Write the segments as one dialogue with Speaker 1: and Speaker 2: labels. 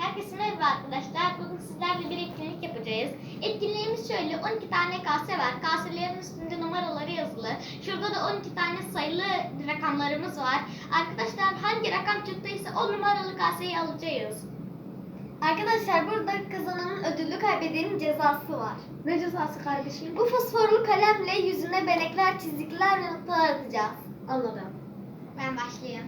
Speaker 1: Herkese merhaba arkadaşlar. Bugün sizlerle bir etkinlik yapacağız. Etkinliğimiz şöyle: 12 tane kase var. Kaselerin üstünde numaraları yazılı. Şurada da 12 tane sayılı rakamlarımız var. Arkadaşlar hangi rakam çıktıysa o numaralı kaseyi alacağız.
Speaker 2: Arkadaşlar burada kazananın ödüllü kaybedenin cezası var.
Speaker 3: Ne cezası kardeşim?
Speaker 2: Bu fosforlu kalemle yüzüne benekler, çizikler ve noktalar atacağız.
Speaker 3: Anladım.
Speaker 1: Ben başlayayım.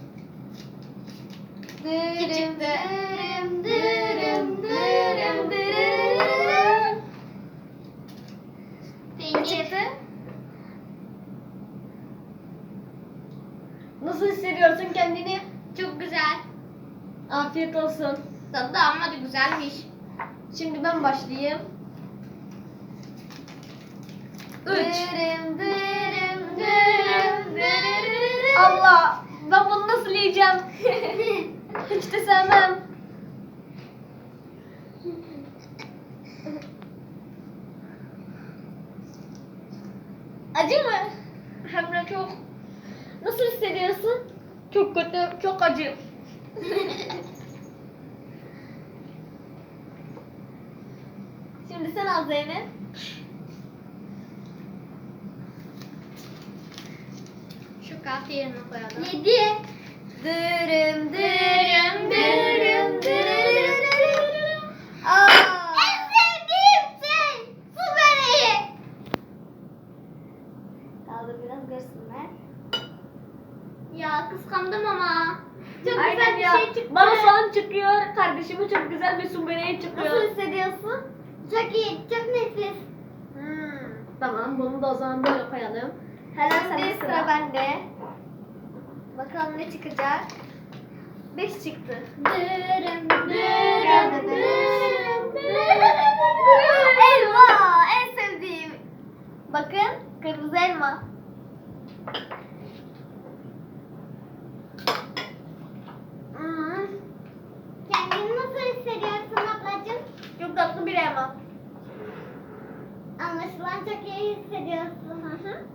Speaker 2: Dırım
Speaker 1: Dırım,
Speaker 2: dırım dırım dırım dırım. Ne çıktı?
Speaker 3: Nasıl hissediyorsun kendini?
Speaker 1: Çok güzel.
Speaker 3: Afiyet olsun.
Speaker 1: Tadı da ama da güzelmiş.
Speaker 3: Şimdi ben başlayayım. 3.
Speaker 2: Dırım dırım dırım dırım.
Speaker 3: Allah! Ben bunu nasıl yiyeceğim? Hiç de sevmem.
Speaker 2: Acı mı?
Speaker 3: Hem de çok. Nasıl hissediyorsun? Çok kötü, çok acı.
Speaker 2: Şimdi sen al Zeynep.
Speaker 1: Şu kase yerine koyalım.
Speaker 2: 7. Dırım dırım dırım dırım. Aa. En sevdiğim şey su böreği. Kaldır biraz görsünler.
Speaker 1: Ya kıskandım ama. Çok
Speaker 3: Aynen
Speaker 1: güzel bir
Speaker 3: ya.
Speaker 1: şey çıktı.
Speaker 3: Bana soğan çıkıyor, kardeşime çok güzel bir su böreği çıkıyor.
Speaker 2: Nasıl hissediyorsun?
Speaker 1: Çok iyi, çok nefis.
Speaker 3: Tamam, bunu da o zaman böyle koyalım.
Speaker 2: Şimdi sıra bende. Bakalım ne çıkacak. 5 çıktı.
Speaker 1: Dırım
Speaker 2: Dırım
Speaker 1: dırım
Speaker 2: dırım
Speaker 1: dırım.
Speaker 2: Elma en sevdiğim. Bakın kırmızı elma.
Speaker 1: Kendini nasıl hissediyorsun ablacığım?
Speaker 2: Çok tatlı bir elma.
Speaker 1: Anlaşılan çok iyi hissediyorsun. Hı hı.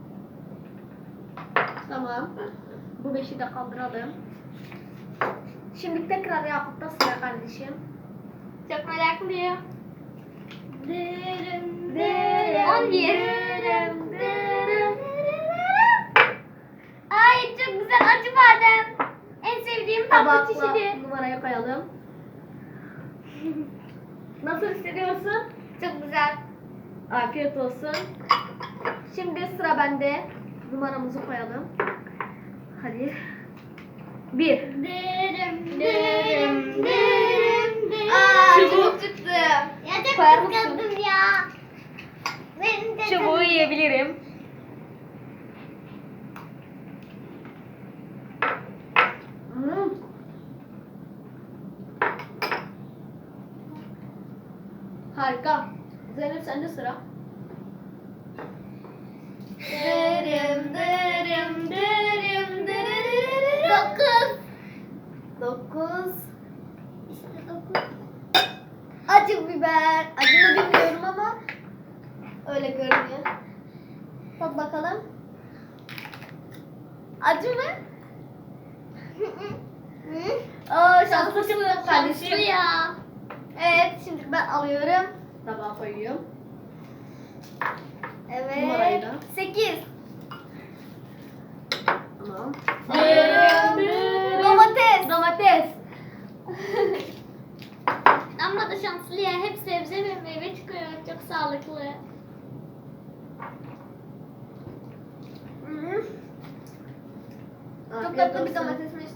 Speaker 3: Tamam. Bu 5'i de kaldıralım. Şimdi tekrar Yakup'ta sıra kardeşim.
Speaker 1: Çok meraklıyım.
Speaker 2: Dırım
Speaker 1: dırım, 11.
Speaker 2: dırım dırım.
Speaker 1: Ay çok güzel acı badem. En sevdiğim tatlı
Speaker 3: Tabakla
Speaker 1: çeşidi.
Speaker 3: numarayı koyalım. Nasıl hissediyorsun?
Speaker 1: Çok güzel.
Speaker 3: Afiyet olsun. Şimdi sıra bende. Numaramızı koyalım. Hadi. 1.
Speaker 1: Dırım
Speaker 2: Dırım
Speaker 1: dırım dırım.
Speaker 2: Aa
Speaker 3: Çubuk.
Speaker 2: çubuk çıktı.
Speaker 1: Ya çok
Speaker 3: Koyar mısın?
Speaker 1: kıskandım ya. Benim de
Speaker 3: Çubuğu yiyebilirim. Harika. Zeynep sende sıra.
Speaker 2: Dırım dırım dırım dırım. 9.
Speaker 1: İşte 9.
Speaker 2: Acı biber. Acı mı bilmiyorum ama öyle görünüyor. Tat bakalım. Acı mı? Aa şanslısın
Speaker 1: Şanslı
Speaker 2: kardeşim.
Speaker 1: ya.
Speaker 2: Evet şimdi ben alıyorum.
Speaker 3: Tabağa koyuyorum.
Speaker 2: Evet.
Speaker 3: Numarayı da.
Speaker 2: 8.
Speaker 3: Tamam.
Speaker 2: Domates.
Speaker 3: Domates.
Speaker 1: Ama da şanslı ya. Hep sebze ve meyve çıkıyor. Çok sağlıklı.
Speaker 2: Çok
Speaker 3: Afiyet
Speaker 2: tatlı bir
Speaker 3: olsun.
Speaker 2: domatesmiş.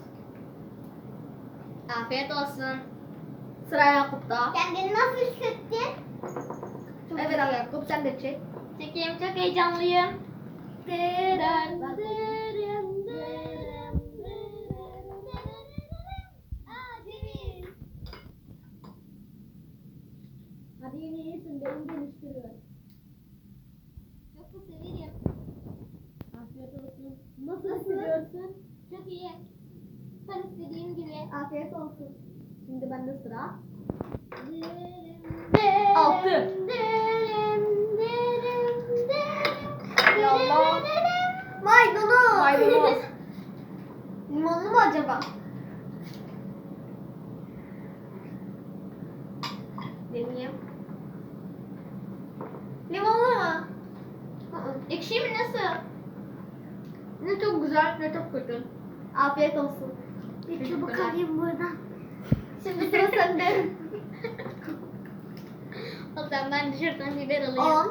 Speaker 1: Afiyet olsun.
Speaker 3: Sıra Yakup'ta.
Speaker 1: Kendini nasıl hissettin?
Speaker 3: Evet Yakup sen de çek.
Speaker 1: Çekeyim, çok heyecanlıyım.
Speaker 2: Dırım,
Speaker 1: Dırım, dırım, dırım,
Speaker 2: Aa ceviz.
Speaker 3: Hadi yine iyisin. Benim geliştiriyor.
Speaker 1: Çok da severim.
Speaker 3: Afiyet olsun. Nasıl hissediyorsun?
Speaker 1: Çok iyi. Tam istediğim gibi.
Speaker 2: Afiyet olsun.
Speaker 3: Şimdi bende sıra.
Speaker 1: Dırım,
Speaker 3: 6.
Speaker 1: dırım, dırım, dırım,
Speaker 2: Ya Allah.
Speaker 1: dırım.
Speaker 2: Maydanoz.
Speaker 3: Maydanoz.
Speaker 2: Limonlu mu acaba?
Speaker 1: Ekşi mi nasıl?
Speaker 3: Ne çok güzel ne çok kötü.
Speaker 2: Afiyet olsun.
Speaker 3: Bir
Speaker 1: çabuk
Speaker 3: çubuk
Speaker 1: alayım
Speaker 3: buradan.
Speaker 2: Şimdi sıra sende.
Speaker 1: O zaman ben de şuradan biber alayım.
Speaker 2: 10.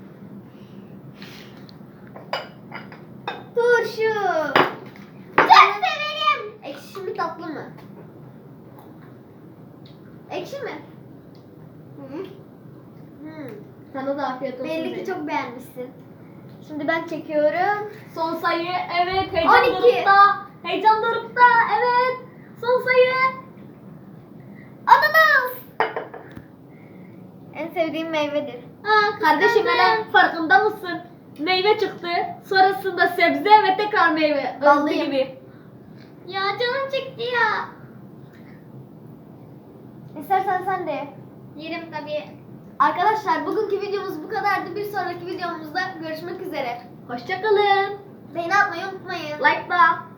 Speaker 2: Turşu.
Speaker 1: Çok severim.
Speaker 2: Ekşi mi tatlı mı? Ekşi mi? Hı.
Speaker 3: Sana da afiyet olsun.
Speaker 2: Belli ki
Speaker 3: Zeynep.
Speaker 2: çok beğenmişsin. Şimdi ben çekiyorum.
Speaker 3: Son sayı evet heyecan
Speaker 2: 12.
Speaker 3: dorukta. Heyecan dorukta evet. Son sayı.
Speaker 2: Ananas. En sevdiğim meyvedir.
Speaker 1: Aa,
Speaker 3: Kardeşim
Speaker 1: kıskandım.
Speaker 3: hele farkında mısın? Meyve çıktı. Sonrasında sebze ve tekrar meyve. Özlü
Speaker 2: Vallahi.
Speaker 3: gibi.
Speaker 1: Ya canım çekti ya.
Speaker 2: İstersen sen de ye.
Speaker 1: Yerim tabii.
Speaker 2: Arkadaşlar bugünkü videomuz bu kadardı. Bir sonraki videomuzda görüşmek üzere.
Speaker 3: Hoşçakalın.
Speaker 2: Beğeni atmayı unutmayın.
Speaker 3: Like da.